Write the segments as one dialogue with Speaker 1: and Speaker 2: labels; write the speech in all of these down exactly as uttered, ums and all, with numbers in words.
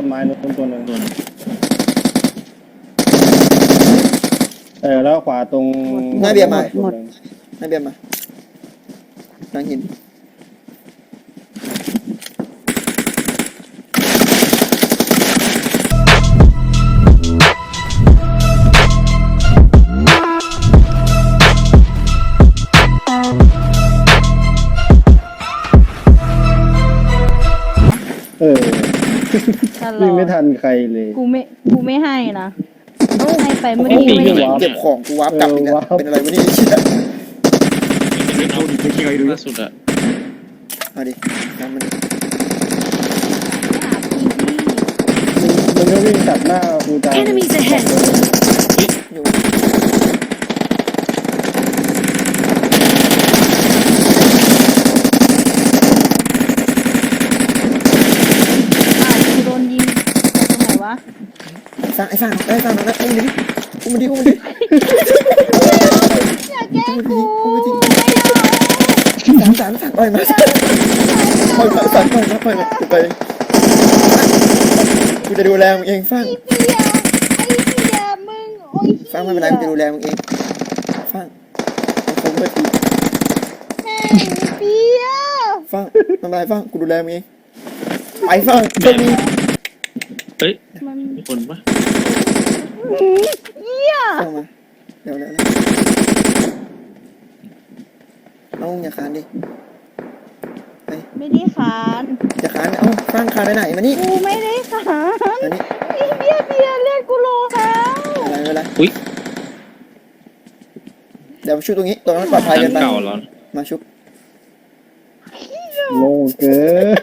Speaker 1: นไม้นู้นตัวหนึ่งเออแล้วขวาตรง
Speaker 2: หน้าเบียร์มา
Speaker 1: หมด
Speaker 2: หน้าเบียร์มานั่งหิน
Speaker 1: เออวิ่งไม่ทันใครเลย
Speaker 3: กูไม่กูไม่ให้นะให้ไปเมื่อกี้ไม่ได้
Speaker 2: เก็บของกูวาร์ปกลับอีกแล้วเป็นอะไรวะเนี่ยเชี่ย
Speaker 4: ล่าสุดอะ
Speaker 2: มาดิน้ำมัน
Speaker 1: มันก็วิ่งตัดหน้ากูตาย
Speaker 5: Enemies ahead!
Speaker 2: อยู่
Speaker 3: กูโดนยิงตรงไหนวะ
Speaker 2: สร้างไอ้สร้างไอ้สร้างนะอุ้มดิอุ้มดิอุ้มดิ
Speaker 3: อย่าแกล้งกู
Speaker 2: สามสามสามปล่อยมาปล่อยมาปล่อยมาปล่อยมาไปกูจะดูแลมึงเองฟัง
Speaker 3: เบียร์ไอ้เบียร์มึงโอ้ย
Speaker 2: ฟังไม่เป็นไรกูจะดูแลมึงเองฟังผมไม่ตี
Speaker 3: แม่งเบียร์
Speaker 2: ฟังไม่เป็นไรฟังกูดูแลมึงเองไปฟังจะมี
Speaker 4: เฮ้ย
Speaker 3: มัน
Speaker 4: มีคนปะ
Speaker 3: เบียร์
Speaker 2: ฟังมาเดี๋ยวเดี๋ยวน้องอย่าคานดิไป
Speaker 3: ไม่ได้ขาน
Speaker 2: อย่าคานเอ้าฟังคานไปไหนมานี่
Speaker 3: กูไม่ได้ขาน
Speaker 2: มานี่
Speaker 3: ไอ้เบียร์เบียร์เรียกกูโลแล้ว
Speaker 2: อะไรไม่เป็นไร
Speaker 4: อุ้ย
Speaker 2: เดี๋ยวชุบตรงนี้ตรงนั้นปลอดภัย
Speaker 4: ห
Speaker 2: เกิ
Speaker 4: ลั
Speaker 2: น
Speaker 4: ง
Speaker 2: ไป
Speaker 4: เก่าเหรอ
Speaker 2: มาชุบ
Speaker 1: โง่เกิน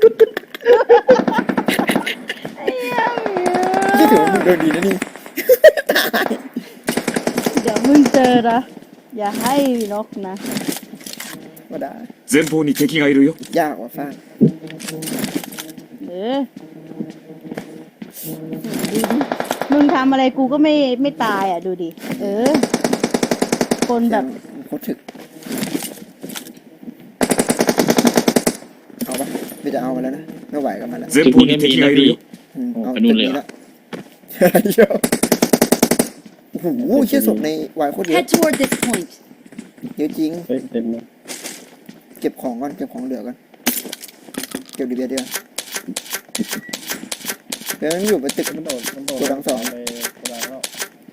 Speaker 3: ไอ้เบียร์
Speaker 2: ที่ถือว่ามึงโดนดีนะนี่ตาย
Speaker 3: เดี๋ยวมึงเจอนะอย่าให้นกนะ
Speaker 2: มาได้
Speaker 6: 前方に敵がいるよ。
Speaker 2: ยากกว่าฟัง
Speaker 3: เออมึงทำอะไรกูก็ไม่ไม่ตายอ่ะดูดิ เออ คนแบบ
Speaker 2: โคตรถึกเอาปะไม่จะเอามาแล้วนะไม่ไหวกับมันแล้ว
Speaker 6: 前方に敵がいるよ。
Speaker 2: อืมเอา
Speaker 4: ไปนู่นเลยเหรอ
Speaker 2: เยอะโอ้โหเชี่ยศพในวายโคตรเยอะ
Speaker 5: Head toward this point.
Speaker 2: เยอะจริง
Speaker 1: เฮ้ยเต็มเลย
Speaker 2: เก็บของก่อนเก็บของเหลือก่อนเก็บดีเบียร์เดียวเดี๋ยวมันอยู่บนตึก
Speaker 1: มันโดดมันโดด
Speaker 2: ตัวดังสอง
Speaker 1: ไปกระดังแล้ว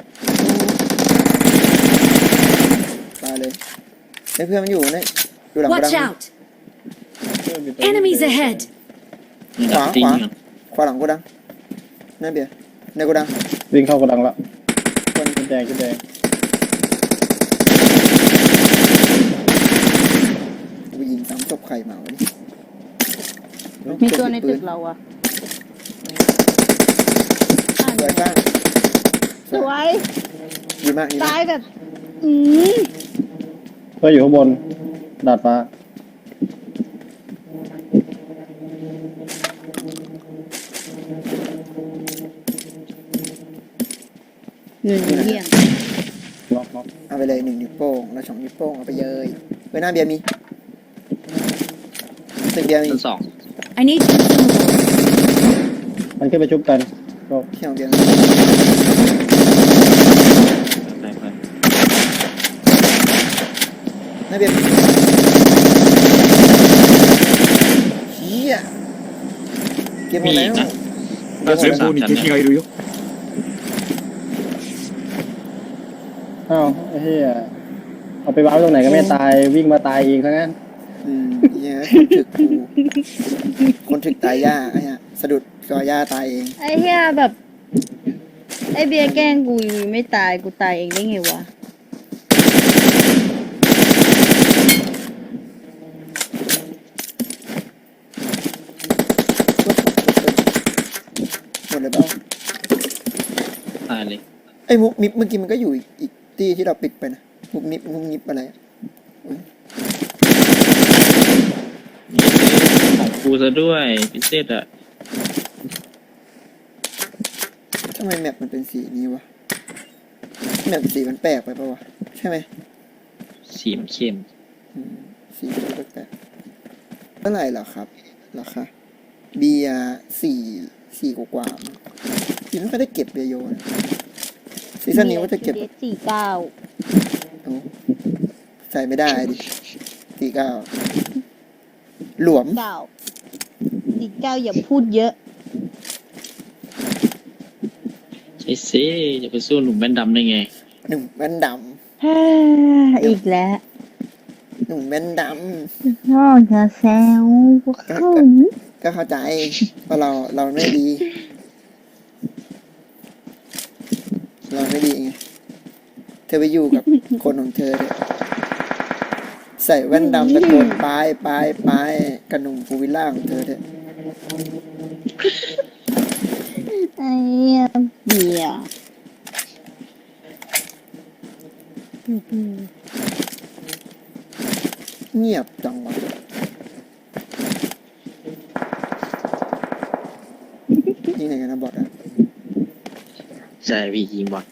Speaker 2: ตายเลยไอ้เพื่อนมันอยู่เนี่ยอยู่หลังกระ
Speaker 5: Watch
Speaker 2: ดัง
Speaker 5: out!
Speaker 1: เพื่อนมีตัว
Speaker 5: Enemies ahead!
Speaker 2: ขวา
Speaker 4: จริง
Speaker 2: ขวา
Speaker 4: เหรอ
Speaker 2: ขวาหลังกระดังนั่นเบียร์ในกระดัง
Speaker 1: วิ่งเข้ากระดังแล้ว
Speaker 2: คน
Speaker 1: ขึ้นแดงขึ้นแดง
Speaker 2: ไปยิงสามศพใครมาวะนี่
Speaker 3: มีตัวในตึกเราอ่ะอ่ะ
Speaker 2: สวยบ้าง
Speaker 3: สวย
Speaker 2: ดีมากดีมาก
Speaker 3: ตายแบบ อืม
Speaker 1: เพื่อนอยู่ข้างบนดาดฟ้า
Speaker 3: หนึ่งเยี่ยม
Speaker 1: ล็อกล็อก
Speaker 2: เอาไปเลยหนึ่งนิ้วโป้งแล้วสองนิ้วโป้งเอาไปเยยเว้ยหน้าเบียร์มีตึกเบียร์มี
Speaker 4: ชั้นสอง
Speaker 5: I need consumables.
Speaker 1: มันขึ้นไปชุบกันก็
Speaker 2: เที่ยวเบียร์
Speaker 4: ไปไป
Speaker 2: หน้าเบียร์เฮียเก็บหมดแล้วเก็บหมด
Speaker 6: 前
Speaker 2: แล้ว
Speaker 6: 方に敵がいるよ。
Speaker 1: อ้าวไอ้เหี้ยเอาไปวางไว้ตรงไหนก็ไม่ตายวิ่งมาตายเองซะงั้น
Speaker 2: อืมเฮียคนถึกกูคนถึกตายย่าไอ้เหี้ยสะดุดกอย่าตายเอง
Speaker 3: ไอ้เหี้ยแบบ ไอ้เบียร์แกล้งกูอยู่ไม่ตายกูตายเองได้ไงวะ
Speaker 2: หมดเลยเปล่า
Speaker 4: ตายเลย
Speaker 2: ไอ้มุกมิบเมื่อกี้มันก็อยู่อีกอีกที่ที่เราปิดไปนะมุกมิบมุกมิบอะไรอะ
Speaker 4: ของกูซะด้วยพิเศษอะ
Speaker 2: ทำไมแมปมันเป็นสีนี้วะแมปสีมันแปลกไปปะวะใช่ไหม
Speaker 4: สีมันเข้ม
Speaker 2: อืมสีมันแปลกๆเท่าไหร่เหรอครับราคาเบียร์สี่สี่กว่าๆมั้งพี่ไม่ค่อยได้เก็บเบียร์โยนะซีซั่นนี้ว่าจะเก็บ
Speaker 3: เดสี่เก้า
Speaker 2: โอ้ใส่ไม่ได้ดิสี่เก้าหลวม
Speaker 3: เก้าสี่เก้าอย่าพูดเยอะ
Speaker 4: ใช่สิจะไปสู้หนุ่มแว่นดำได้ไง
Speaker 2: หนุ่มแว่นด
Speaker 3: อีกแล้ว
Speaker 2: ำหนุ่มแว่นด
Speaker 3: นอกจะแซวเขา
Speaker 2: ำก็เข้าใจว่าเราเราไม่ดี เราไม่ดีไงเธอไปอยู่กับ คนของเธอเถอะใส่แว่นดำตะโกนปลายปลายปลายกับหนุ่มฟูวิลล่าของเธอเถอะ
Speaker 3: ไอ้เหี้ยเบียร์
Speaker 2: เงียบจังวะนี่ไหนกันนะบอทอะ
Speaker 4: ใช่พี่ยิงบอล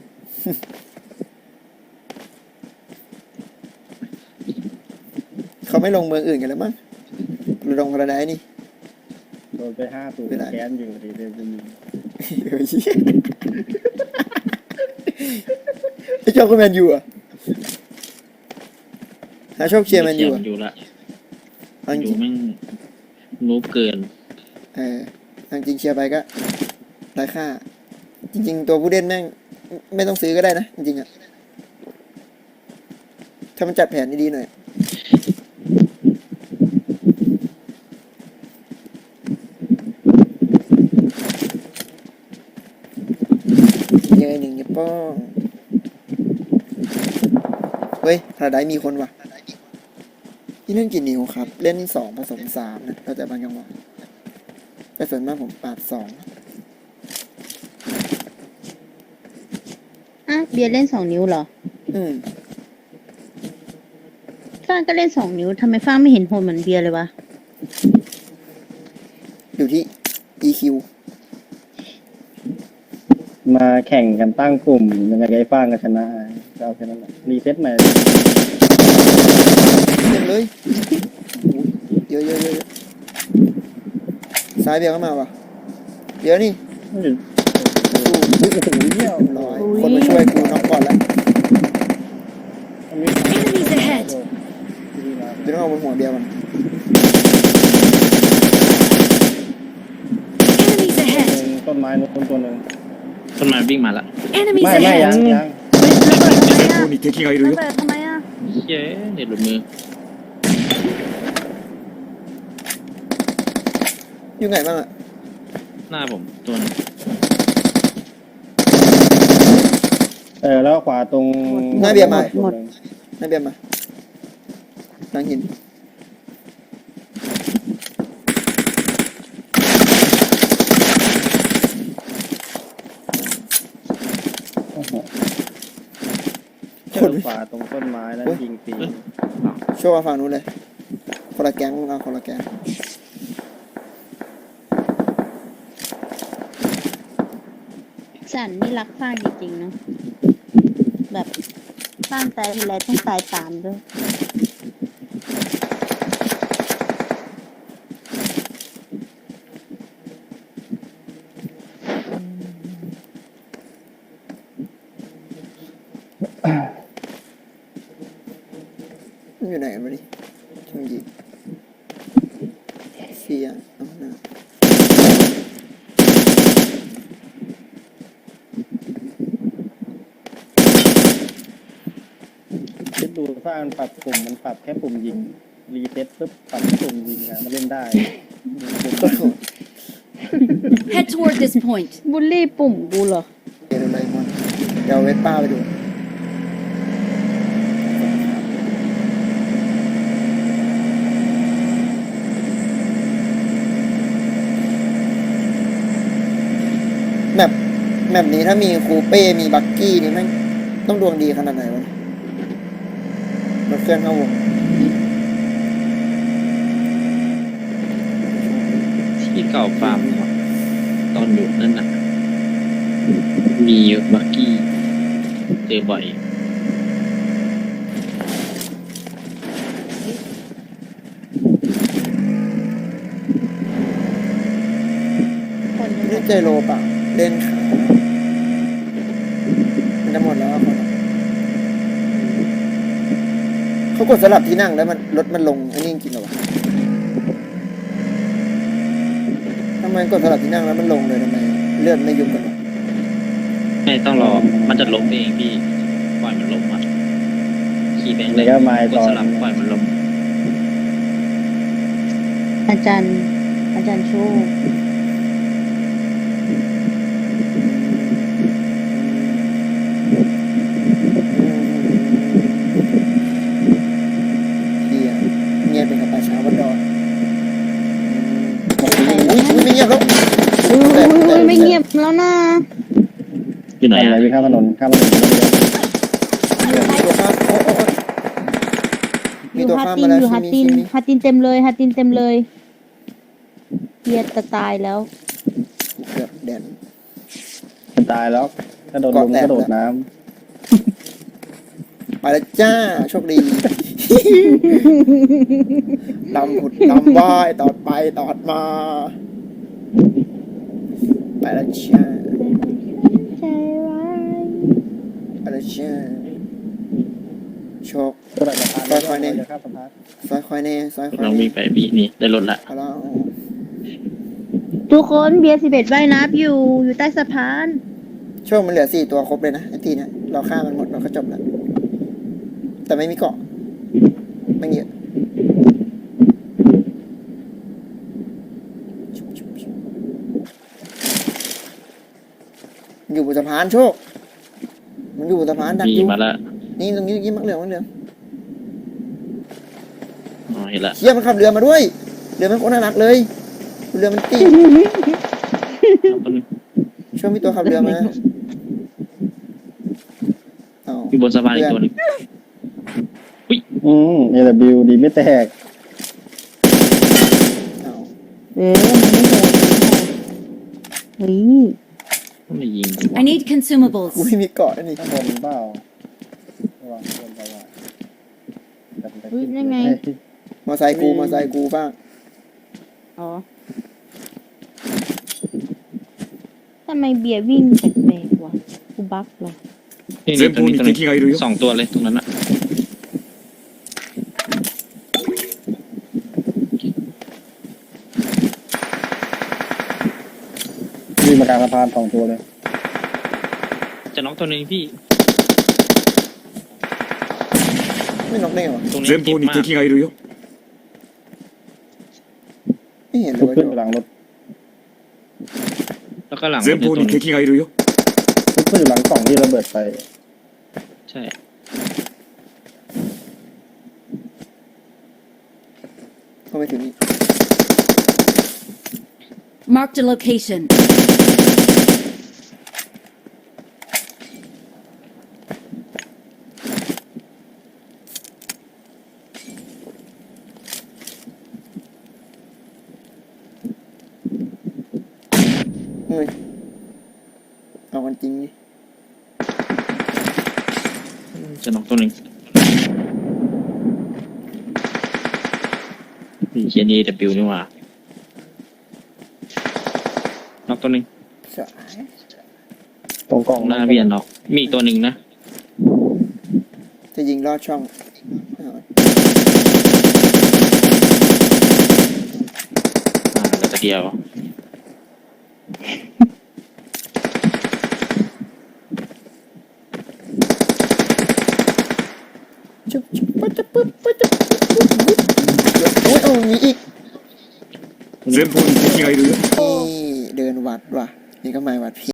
Speaker 2: เขาไม่ลงเมืองอื่นกันแล้วมั้งลงพาราไดซ์นี่
Speaker 1: โดนไปห้าสูตร
Speaker 2: ไม่ได้
Speaker 1: แค้นอยู่ดีเลยจะมี
Speaker 2: เฮ้ยไอ้เจ้าก็แมนยูอ่ะหาโชคเชียร์แมนยูอ่ะ
Speaker 4: อยู่ละ
Speaker 2: เอาจ
Speaker 4: อยู่
Speaker 2: ริง
Speaker 4: แม่งนูบเกิน
Speaker 2: เออเอาจริงเชียร์ไปก็ไร้ค่า จริง ๆ ตัวผู้เล่นแม่งไม่ต้องซื้อก็ได้นะ จริงๆอ่ะ ถ้ามันจัดแผนดีๆหน่อย เยอะหนึ่งเนี่ยป้องเฮ้ยพาราไดซ์มีคนว่ะนี่เล่นกี่นิ้วครับ เล่นสองผสมสามนะแล้วแต่บางจังหวะแต่ส่วนมากผมปาดสอง
Speaker 3: อ่ะเบียร์เล่นสองนิ้วเหรอ
Speaker 2: อืม
Speaker 3: ฟ้างก็เล่นสองนิ้วทำไมฟ้างไม่เห็นโหดเหมือนเบียร์เลยวะ
Speaker 2: อยู่ที่ อี คิว
Speaker 1: มาแข่งกันตั้งกลุ่มยังไงไอ้ฟ้างก็ชนะก็เอาแค่นั้นแหละรีเซ็ตใหม่
Speaker 2: เต็มเลยเยอะเยอะเยอะซ้ายเบียร์ก็มาว่ะเดี๋ยวนี่
Speaker 1: โอ้โหโอ้โหเหี้ย
Speaker 2: ร้อยคนมาช่วยกูน็อกก่อนแล้ว
Speaker 1: มันมี
Speaker 5: Enemies ahead
Speaker 2: เดี๋ยวต้องเอาบนหัวเบียร์มัน
Speaker 5: Enemies ahead.
Speaker 1: ต้นไม้นู้นตัวหนึ่ง
Speaker 4: ต้นไม้วิ่งมาละ
Speaker 5: Enemies
Speaker 1: ไม่ไม่ยัง
Speaker 5: ahead.
Speaker 1: ยัง
Speaker 6: 前方に敵がいるよ
Speaker 3: เปิดทำไมอ่ะ
Speaker 4: เย้เด็ดหลุดมือ
Speaker 2: อยู่ไหนบ้างอ่ะ
Speaker 4: หน้าผมตัวนึง
Speaker 1: เออแล้วขวาตรง
Speaker 2: หน้าเบียร์มา
Speaker 1: ตัวหนึ่ง
Speaker 2: นั่นเบียร์มาหลังหิน
Speaker 1: โอ้โห
Speaker 2: ค
Speaker 1: เจ
Speaker 2: น
Speaker 1: อขวาตรงต้นไม้แล้วยิงฟรี
Speaker 2: ช่วยมาฝั่งนู้นเลยคนละแก๊งเอาคนละแก๊ง
Speaker 3: สันนี่รักฟ้างจริงๆเนาะแบบฟ้างตายทีไรต้องตายตามด้วย
Speaker 2: มันอยู่ไหนกันวะนี่ช่างยิงเสียเอาหน้า
Speaker 1: คิดดูฟ้างมันปรับปุ่มมันปรับแค่ปุ่มยิงรีเซ็ตปุ๊บปรับแค่ปุ่มยิงอะมันเล่นได้ปุ่ม
Speaker 5: Head toward this point.
Speaker 3: บูลลี่ปุ่มกูเหรอ
Speaker 2: เดี๋ยวอะไรมันเดี๋ยวเอาเวสป้าไปดูแมปแมปนี้ถ้ามีคูเป้มีบักกี้นี่แม่งต้องดวงดีขนาดไหนวะรถเครื่องเข้าวง
Speaker 4: ที่เก่าฟาร์มเนี่ยตอนอยู่นั่นน่ะ มีบักกี้เจอบ่อย
Speaker 3: คน
Speaker 2: ใจโลเปล่าเล่นขามันจะหมดแล้วอะคนอะเขากดสลับที่นั่งแล้วมันรถมันลงอันนี้จริงๆเหรอวะทำไมกดสลับที่นั่งแล้วมันลงเลยทำไมเลือดไม่ยุบกันวะ
Speaker 4: ไม่ต้องรอ มันจะล้มเองพี่ ปล่อยมันล้มอ่ะ ขี่แบงค์เลย
Speaker 1: แล้วก็ไม้
Speaker 4: ก
Speaker 1: ต
Speaker 4: ด
Speaker 1: อน
Speaker 4: สลับปล่อยมันล้ม
Speaker 3: อาจารย์ อาจารย์โชค
Speaker 2: เฮียเงียบเป็นกับป่าช้าวัดดอนอุ้
Speaker 3: ไหน
Speaker 2: ยอุ้ยไม่เงียบแล้ว
Speaker 3: อุ้ยอุ้ยอุ้ยไม่เงียบแล้วนะ
Speaker 4: อยู่ไหน
Speaker 1: ทำอะไร
Speaker 4: อ่ะ
Speaker 1: วิ่งข้ามถนนข้ามถนน
Speaker 2: มี
Speaker 3: อ
Speaker 2: ตัว
Speaker 3: ยู่ฮัต
Speaker 2: ข้าม
Speaker 3: ติ
Speaker 2: มาน แล้ว
Speaker 3: อยู่
Speaker 2: ใช่
Speaker 3: ฮัต
Speaker 2: ไหม
Speaker 3: ตินฮัตตินเต็มเลยฮัตตินเต็มเลยเฮียจะตายแล้ว
Speaker 2: เกือบแดน
Speaker 1: มันตายแล้วถ้าโดนลุมก็โดดน้
Speaker 2: ไปแล้วจ้าโชคดี ดำผุดดำว่ายตอดไปตอดมา ไปแล้วจ้า
Speaker 3: ใจร้าย
Speaker 2: ไปแล้วจ้าโชค
Speaker 1: ำก็ได้สะพาน
Speaker 2: ค่อยๆเนี่ย
Speaker 1: จะข้ามสะพาน
Speaker 2: ซอยคอยแน่ซอยคอย
Speaker 4: ลอง
Speaker 2: แน่
Speaker 4: วิ่งไปพี่นี่ได้รถละ
Speaker 2: เอาแล้ว
Speaker 3: ทุกคนเบียร์สิบเอ็ดว่ายน้ำอยู่อยู่ใต้สะพาน
Speaker 2: โชคมันเหลือสี่ตัวครบเลยนะไอ้ทีเนี้ยเราฆ่ามันหมดเราก็จบแล้วแต่ไม่มีเกาะไม่เยอะอยู่บนสะพานโชค มันอยู่บนสะพานดัก
Speaker 4: มี
Speaker 2: อยู่
Speaker 4: มาละ
Speaker 2: นี่ตรงนี้ยิ้มมักเหลืองมักเหลือง
Speaker 4: อ๋อเห็นละ
Speaker 2: เชี่ยมันขับเรือมาด้วยเรือมันโคตรน่ารักเลยเรือมันตี
Speaker 4: เอาคน
Speaker 2: ช่วยมีตัวขับเรือมาเอา
Speaker 4: อยู่บนสะพานอีกตัวหนึง
Speaker 1: อืมเอลบิวดีไม่แตก
Speaker 2: เอา
Speaker 3: เออมันไม่โหดเฮ้ย
Speaker 4: ไม่ยิงกูวะ
Speaker 5: I need consumables.
Speaker 2: กูไม่มีเกาะอันนี่
Speaker 1: ข้างบนเปล่าระวังข้างบนไปว่าแต่มันจะ
Speaker 3: อุ๊ย
Speaker 1: ขึ้น
Speaker 3: นั่นไง
Speaker 2: มอไซค์กูมอไซค์กูบ้าง
Speaker 3: อ๋อทำไมเบียร์วิ่งแปลกๆวะกูบักเหรอ
Speaker 4: นี่นี่
Speaker 6: 前
Speaker 4: ตรง
Speaker 6: 方
Speaker 4: นี้
Speaker 6: に
Speaker 4: ตรงนี้
Speaker 6: 敵がいるよ
Speaker 4: สองตัวเลยตรงนั้นอะ
Speaker 1: วิ่งมากลางสะพานสองตัวเลย
Speaker 4: จะน็อกตัวหนึงพี่
Speaker 2: ไม่น็อกได้ไงวะ
Speaker 4: ตรงนี้
Speaker 6: 前
Speaker 4: เจ็บ
Speaker 6: 方に
Speaker 4: มาก
Speaker 6: 敵がいるよ
Speaker 2: ไม่เห็นเล
Speaker 1: ทุ
Speaker 2: ย
Speaker 1: ก
Speaker 2: ว่า
Speaker 1: ขึ้นอยู่หลังรถ
Speaker 4: แล้วก็หลังร
Speaker 6: 前
Speaker 4: ถอยู่
Speaker 6: 方
Speaker 4: ตัวห
Speaker 6: に
Speaker 4: นึง
Speaker 6: 敵がいるよ
Speaker 1: ทุกขึ้นอยู่หลังกล่องที่ระเบิดไป
Speaker 4: ใช่
Speaker 2: เข้าไปถึงนี่
Speaker 5: Marked a location.
Speaker 2: เฮ้ยเอากันจริงนี่
Speaker 4: จะน็อกตัวหนึงนี่เคียนี่ ดับเบิลยู นี่หว่าน็อกตัวหนึง
Speaker 2: สาย
Speaker 1: ตรงกล่อง
Speaker 4: หน้าเบียนน็อกมีอีกตัวหนึ่งนะ
Speaker 2: จะยิงลอดช่องเอา
Speaker 4: อ่าเหลือแต่เดียว
Speaker 2: จุ๊บจุ๊บปั๊บจุ๊บปึ๊บปั๊บจุ๊บปึ๊บปึ๊บโอ้ยเอามีอีก
Speaker 6: 前方に敵がいるよ
Speaker 2: นี่เดินวัดว่ะนี่ก็หมายวัดพี่